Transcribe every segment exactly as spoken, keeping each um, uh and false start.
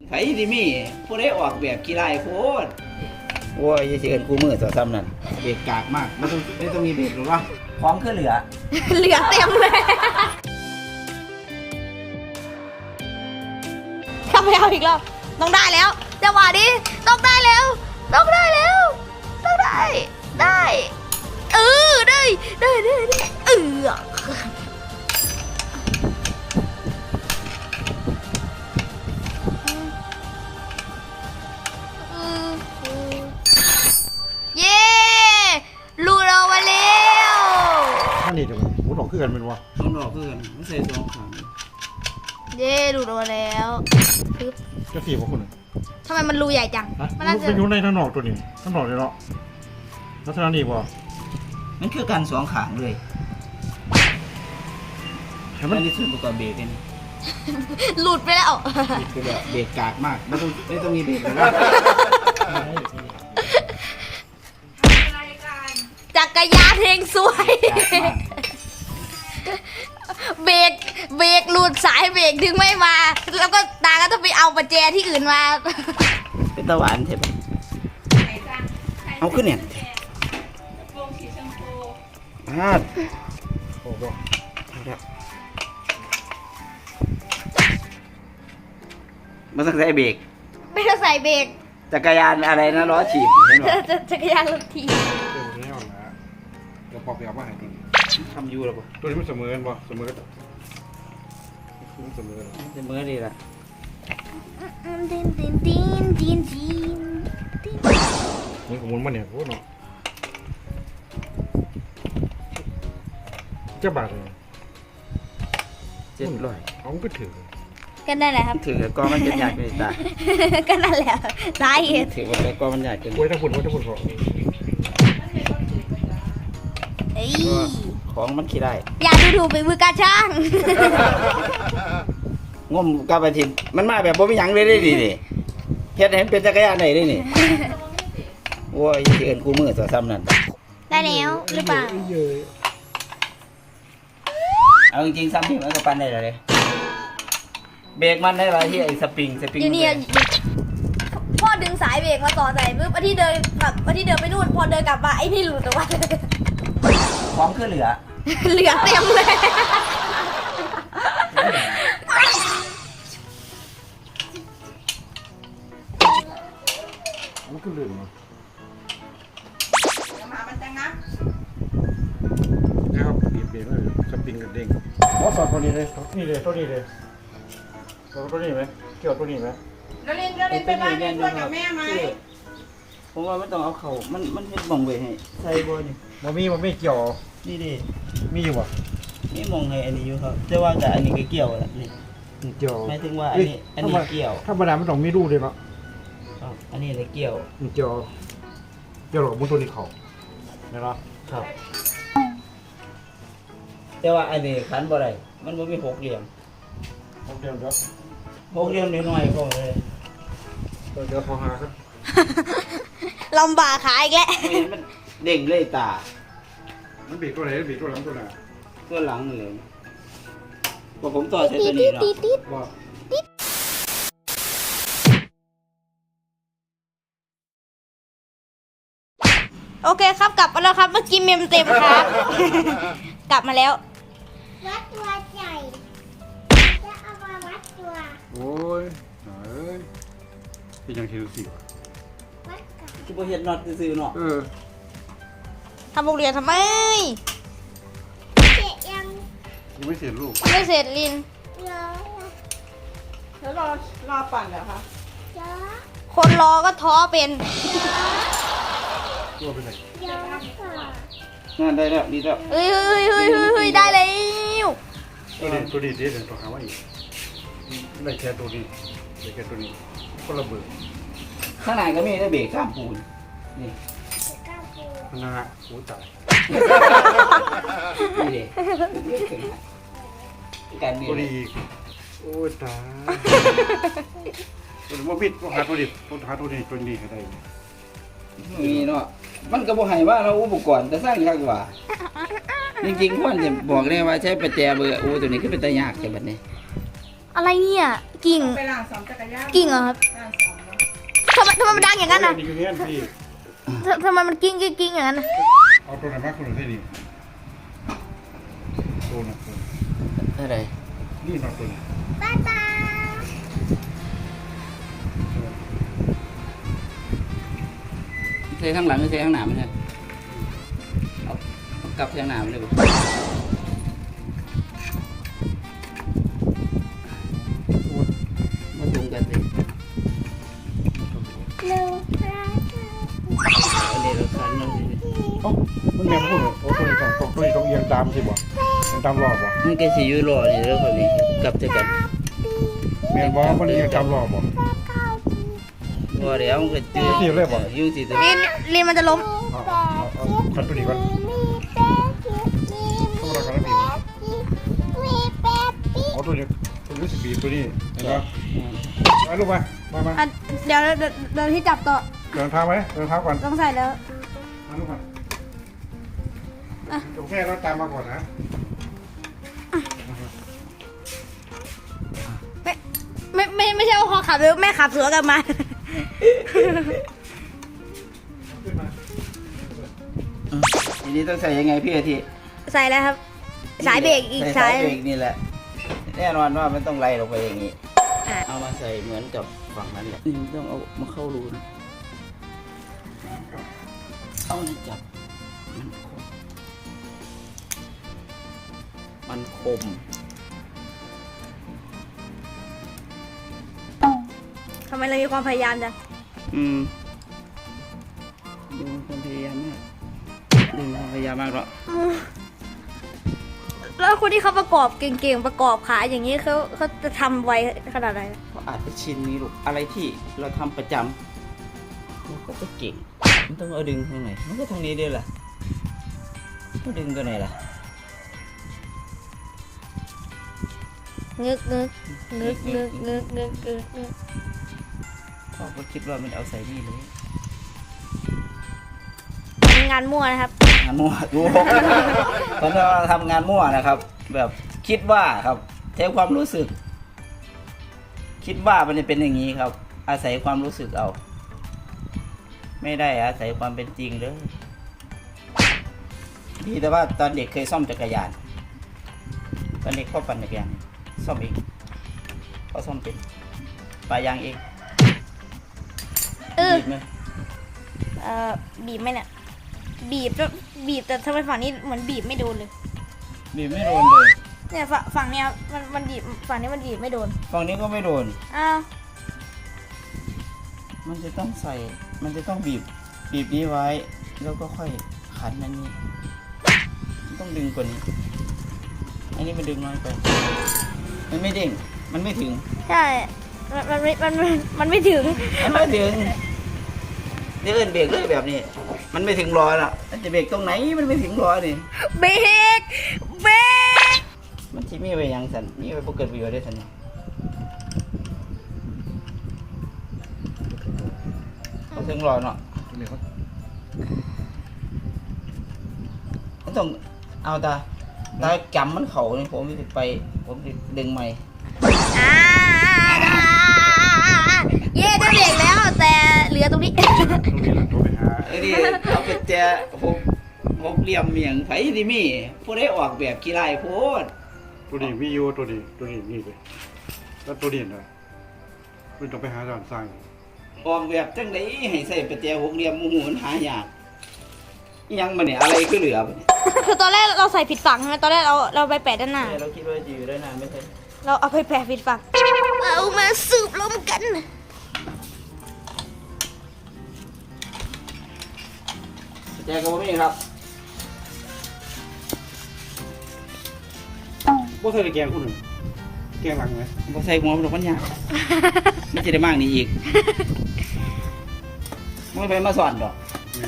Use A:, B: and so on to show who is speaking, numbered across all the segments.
A: ไผดิมีผู้ใดออกแบบกีฬาโพดโอ้ยสิเอิ้นคู่มือต่อซ้ำนั่นเบรกกากมากมันต้องไม่ต้องมีเบรกหรอวะของคือเหลือ
B: เหลือเต็มเลยเข้าไปเอาอีกรอบต้องได้แล้วจังหวะนี้ต้องได้แล้วต้องได้แล้วต้องได้ได้เออได้ได้ได้ได้เออเย้ลูกเรามาแล้ว
C: ท่านนี่เดี๋ยวหมุนออกขึ้นกันเป็นวะ
A: ต้องดอกเพื่อนไม่ใส่สองขัง
B: เย้ลูกเรามาแล้วปึ๊บ
C: จะสี่พวกคุณ
B: ทำไมมันรูใหญ่จัง
C: ฮะ
B: มัน
C: มั
B: น่าน จะ
C: เป็นอยู่ในท่านอกตัวนี้ท่านอกเลยเนาะลักษณะนี้บ่
A: มันคือการสองขางเลย
C: เห็น
A: มั
C: มัน น
A: นี่ส่วนประกอบเบรกนี่
B: หลุดไปแล้ว
A: คือแบบเบรกกากมากไม่ต้องไม่ต้องมีเบรกหรอวะ
B: จักรยานเพลงสวย เบรกเบรกหลุดสายเบรกถึงไม่มา แล้วก็ตาก็ต้องไปเอาประแจที่อื่นมา
A: เป็นตะหวานใช่ปะเอาขึ้นเนี่ยพลาด
C: โอ้บ่
A: มันต้องใช้เบรก
B: ไม่ต้องใส่เบรก
A: จักรยานอะไรนะล้อฉีบเห็นไหม
B: จักรยานรถที
C: เต็มแน่นนะเดี๋ยวปอบไปเอามาให้ดี
A: ทำยูหรอปะ
C: ตัวนี้มันเสมอกันบ่เสมอกันมันเสมอ
A: จะเมื่อดีละ
B: ดินดินดินดินดิน
C: มันของมันมาเนี่ยโอ้เนาะเจ้าบาทเลย
A: เจ็ดร้อย
C: เอามันก็ถือ
B: ก็นั่นแหละครับ
A: ถือกองมันจะใหญ่ไปตา
B: ก็นั่นแหละสาเหตุ
A: ถือว่าไปกองมันใหญ่เกิน
C: โอ้ยถ้าฝุ่นว่าถ้าฝุ่นขอ
B: เอ้ย
A: ของมันขี้ได้
B: อย่าดูถูกไปมือการช่าง
A: งมกับอาทิตย์มันมาแบบบ่มีหยังเลยได้ดิดิเฮ็ดให้มันเป็นจักรยานได้ดินี่โอ้ยสิเอิ้นคู่มือต่อซ้ำนั่น
B: ได้แล้วหรือเปล่า
C: เยอะ
A: เอาจริงๆซ้ำที่มันก็ปั่นได้แล้วเลยเบรกมันได้หลายที่ไอ้สปริงสปริง
B: อยู่นี่พ่อดึงสายเบรกมาต่อใส่ปุ๊บอาที่เดินแบบอาที่เดินไปนู่นพอเดินกลับมาไอ้นี่หลุดออกมา
A: ของคือเหลือ
B: เหลือเต็มเลย
C: มันก็ลืมเนาะนะครับเปลี่ยนเปลี่ยนเลยสปริงกับเด้งอ๋อสอดตัวนี้เลยนี่เลยตัวนี้เลยสอดตัวนี้ไหมเกี่ยวตัวนี้ไหม
D: เราเล่นเราเล่นไปบ้านเล่นชวนกับแม่ไหม
A: ผมว่ามันต้องเอาเข่ามันมันเฮ็ดมองไว้ให้ใส่บ่นี่
C: มันมีมันไม่เกี่ยว
A: นี่ดิ
C: มีอยู่ป่ะ
A: นี่มองให้อันนี้อยู่ครับแต่ว่าแต่อันนี้ก็เกี่ยวแล้วนี่
C: เกี่ยว
A: หมายถึงว่าอันนี้อันนี้เกี่ยว
C: ธรรมดามันต้องมีรูเลยเนาะ
A: ครับอันนี้เลยเกี่ยว
C: มันเกี่ยวเกี่ยวหรอกมุนตัวนี้เขาเนี่ยเนาะ
A: ครับ แต่ว่าอันนี้ขันบ่ได้มันบ่มีหกเหลี่ยม
C: เดี๋ยวเดี๋ยว
A: หกเหลี่ยมน้อยๆพอเลย
C: เดี๋ยวเดี๋ยวขอหาครับ
B: ลำบากขาอีกแล้ว
A: ไม่เห็นมันเด้งเลยตา
C: มันบีบตัวไหนบีบตัวหลังตัวหน้า
A: ตัวหลังเลยพอผมต่อใช้ตัวนี้เนาะ
C: ว่า
B: โอเคครับกลับมาแล้วครับเมื่อกี้เมมเต็มครับ กลับมาแล้ว
E: วัดตัวใหญ่จะเอามาวัดตัว
C: โอ้ยเอ้ยเป็นยังเทียสิวะ
E: วัดกับ
A: ที่บ่เฮ็ดน็อตซื่อๆเนาะ
C: เออ
B: ทำโรงเรียนทำไม
E: เจ็ดยัง
C: ยังไม่เสร็จลูก
B: ไม่เสร็จลิน
E: เยอะ
D: แล้วรอรอปั่นเหรอคะ
E: เยอะ
B: คนรอก็ท้อเป็น
C: ตัวเป็นไร
E: เยอะค่ะ
A: นั่นได้แล้วดีแล้ว
B: เฮ้ยเฮ้ยเฮ้ยเฮ้ยเฮ้ยได้แล้ว
C: ตัวนี้ตัวนี้เดี๋ยวเดี๋ยวต้องหาว่าอีกได้แค่ตัวนี้ได้แค่ตัวนี้คนละเบอร์
A: ข้างในก็มีได้เบรกข้ามปูนนี่
E: เก้าปู
C: มันนะฮะโอ้ตาย
A: นี่ดิกันนี่
C: ตัวนี้อีกโอ้ตายตัวนี้ว่าพิษต้องหาตัวนี้ต้องหาตัวนี้ตัวนี้ให้ได้
A: นี่เนาะมันก็บ่ให้ว่าเราอุปกรณ์แต่สร้างยากกว่าจริงๆควรจะบอกเลยว่าใช้ประแจเบอร์โอ้ตัวนี้คือเป็นตายากใช่บัดนี้
B: อะไรเนี่ยกิ่ง
D: ไปล้างสองจักรยาน
B: กิ่งเหรอครับ
D: ล้างสองเนาะ
B: ทำไมทำไมมันดังอย่างนั้นน่ะ
C: นี่คือเงี้ยพี่
B: ทำทำไมมันกิ้งกิ้งกิ้งอย่างนั้นน่ะ
C: เอาตัวไหนมาคุณหนูได้ดีตัวน่ะตัว
A: อะไร
C: นี่นอนตัวนี้
E: บ๊ายบาย
A: เทข้างหลังหรือเทข้างหน้ามันเนี่ยเอาเอากลับเทข้างหน้ามันเลยบ่มาจุงกันสิ
E: หนึ่งพระ
A: เอาเดี๋ยวเราคันเราสิ
C: เอ้ามันแม่พูดเหรอโอ้ตัวนี้ต้องตัวนี้ต้องเอียงตามสิบ่เอียงตามรอบบ่
A: มันก็สิอยู่รอนี่แล้วคนนี้กลับเท่ากัน
C: แม่บอกมันเอียงตามรอบบ่
A: บ่เดี๋ยวมันก็จืด
C: จีบเลยบ่
A: อยู่สิตัว
B: ลินลินมันจะล้ม
C: เอาเอาเอาคันตัวนี้ก่อน
E: มีแป๊บมีมี
C: ต้องรอกันแล้วพี่
E: แป๊บมีแป๊บปี
C: เอาตัวนี้ตัวนี้สิบีบตัวนี้เห็นปะไปลูกไปมามา
B: อ่ะเดี๋ยวเดี๋ยวเดี๋ยวที่จับต่อ
C: เดินเท้าไหมเดินเท้าก่อน
B: ต้องใส่แล้ว
C: มาลูกมา
B: อ่ะ
C: จงแค่เราตามมาก่อนนะ
B: ไม่ไม่ไม่ใช่ว่าพอขับแล้วแม่ขับสวนกลับมา
C: ขึ้นมา
A: ทีนี้ต้องใส่ยังไงพี่อาทิ
B: ใส่แล้วครับ สายเบรกอีก
A: ใส่
B: สาย
A: เบรกนี่แหละแน่นอนว่ามันต้องไล่ลงไปอย่างนี้
B: อ่ะ
A: เอามาใส่เหมือนกับฝั่งนั้นแหละนี่มันต้องเอามาเข้ารูนะเอานี่จับมันคมมันคม
B: ทำไมเรามีความพยายามจัง
A: อืมดูความพยายามมากดูความพยายามมากหรอก
B: แล้วคนที่เขาประกอบเก่งๆประกอบขายอย่างนี้เขาเขาจะทำไวขนาดไหน
A: เขาอาจจะชินนี้ลูกอะไรที่เราทำประจำเราก็จะเก่งมันต้องเอาดึงทางไหนมันก็ทางนี้เดียวล่ะก็ดึงตัวไหนล่ะ
B: งึกงึกงึกงึกงึกงึกงึกงึก
A: พ่อก็คิดว่ามันเอาใส่นี่เลย
B: งานมั่วนะครับ
A: งานมั่วดูตอนนี้เราทำงานมั่วนะครับ แบบคิดว่าครับใช้ความรู้สึก คิดว่ามันจะเป็นอย่างนี้ครับ อาศัยความรู้สึกเอา ไม่ได้อาศัยความเป็นจริงเลยดีแต่ว่าตอนเด็กเคยซ่อมจักรยานตอนเด็กพ่อปั่นจักรยานซ่อมเองเขาซ่อมเป็นปลายางเอง
B: เออ
A: บีบไหม
B: เอ่อบีบไหมเนี่ยบีบแล้วบีบแต่ทำไมฝั่งนี้เหมือนบีบไม่โดนเลย
A: บีบไม่โดนเลย
B: เนี่ยฝั่งฝั่งเนี้ยมันมันบีบฝั่งนี้มันบีบไม่โดน
A: ฝั่งนี้ก็ไม่โดน
B: อ้าว
A: มันจะต้องใส่ มันจะต้องบีบ บีบนี้ไว้ แล้วก็ค่อยขันอันนี้มันต้องดึงกว่านี้ อันนี้มันดึงน้อยไป มันไม่เด้ง มันไม่ถึง
B: ใช่มันมันไม่มันมันมันไม่ถึง
A: มันไม่ถึงเดี๋ยวเอินเบรกเลยแบบนี้ มันไม่ถึงล้อน่ะมันจะเบรกตรงไหน มันไม่ถึงล้อนี่
B: เบรกเบรก
A: มันที่มีไว้หยังสันมีไว้พวกเกิดประโยชน์ได้สันเนาะเอาถึงล้อเนาะ
C: ตัวนี้เขา
A: มันต้องเอาตาตาจำมันเข่านี่ผมจะไป ผมจะดึงใหม่
B: อ่าเย่ได้เบรกแล้วแต่เหลือตรงนี้
C: ตัวนี้แหละตัวไปหา
A: ไอ้นี่เอาไปแจหกหกเหลี่ยมเมียงไผที่มีผู้ได้ออกแบบกีฬาโพด
C: ตัวนี้มีอยู่ตัวนี้ตัวนี้นี่เลยแล้วตัวนี้นะมันต้องไปหาร้านสร้าง
A: ออกแบบจังไดให้ใส่ประแจหกเหลี่ยมหมู่มันหายากอิหยังมันเนี่ยอะไรคือเหลือบ่เนี่ย
B: คือตอนแรกเราใส่ผิดฝั่งใช่ไหมตอนแรกเราเราไปแปะด้านหน้า
A: เราคิดว่าจะอยู่ได้นานไม่ใช่
B: เราเอาไปแปะผิดฝั่งเอามาสืบลมกัน
A: ประแจก็บ่มีครับ
C: บ่ใส่แกงคุณหนึ่งแกงหลังไหม
A: บ่ใส่หัวมันดอกมันยากไม่จะได้มากนี่อีกไม่ไปมาสอนดอก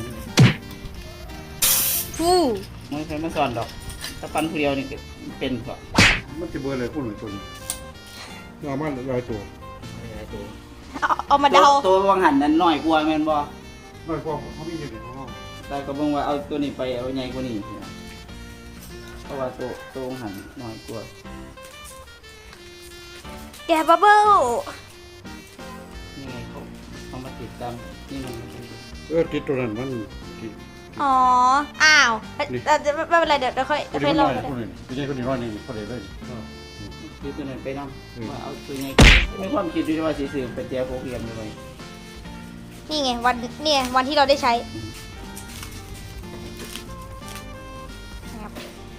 B: ฟู
A: ไม่ไปมาสอนดอกถ้าปันผู้เดียวนี่ก็เป็นก็
C: มันจะเบอร์อะไรคุณหนึ่งตัวนี้เอามาลอยตัว
B: เอาเอามาเดา
A: ตัวตัววังหันนั้นน้อยกว่าแม่นบ่
C: ลอยกว่าเขามีอยู่ในห้อง
A: แต่ก็บอกว่าเอาตัวนี้ไปเอาใหญ่กว่านี้เพราะว่าตัวตัววังหันน้อยกว่า
B: แกะบับเบิ้ล
A: นี่ไงเขาเขามาติดตามนี่มัน
C: เออติดตัวนั้นมันติด
B: อ๋อ อ้าว
C: นี่
B: เอ่อไม่เป็นไรเดี๋ยวเดี๋ยวค่อย
C: คน
B: เดี๋ยว
C: นี้
B: ค่อย
C: คน
B: ลอง
C: นี้คนนี้ไม่ใช่คนนี้ร้อยหนึ่งคนเดียวเลย
A: คือตัวนั้นไปนั่ง
C: อืม
A: ว่าเอาตัวไงไม่ความคิดด้วยว่าสีสื่อเป็นเจียโฟกเรียมเลย
B: นี่ไงวันนี่ไงวันที่เราได้ใช้ครับ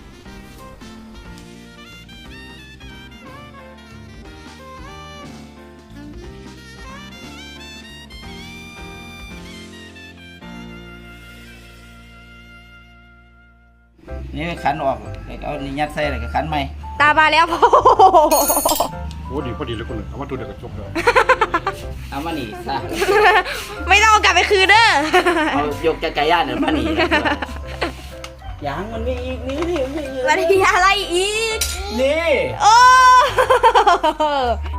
A: นี่ขันออกแล้วก็เอานี่ยัดใส่แล้วก็ขันใหม่
B: ตามมาแล้ว พ่อ
C: โอ้ดีพอดีเลยคนหนึ่งเอามาตัวเดียวกับจบแล้ว
A: เอามาหนีซะ
B: ไม่ต้องเอากลับไปคืนเด้อ
A: เอายกจักรยานเนี่ยมาหนียังมันมีอีกนี่นี่มันมีอีก
B: แล้วนี่อะไรอีก
A: นี่
B: โอ้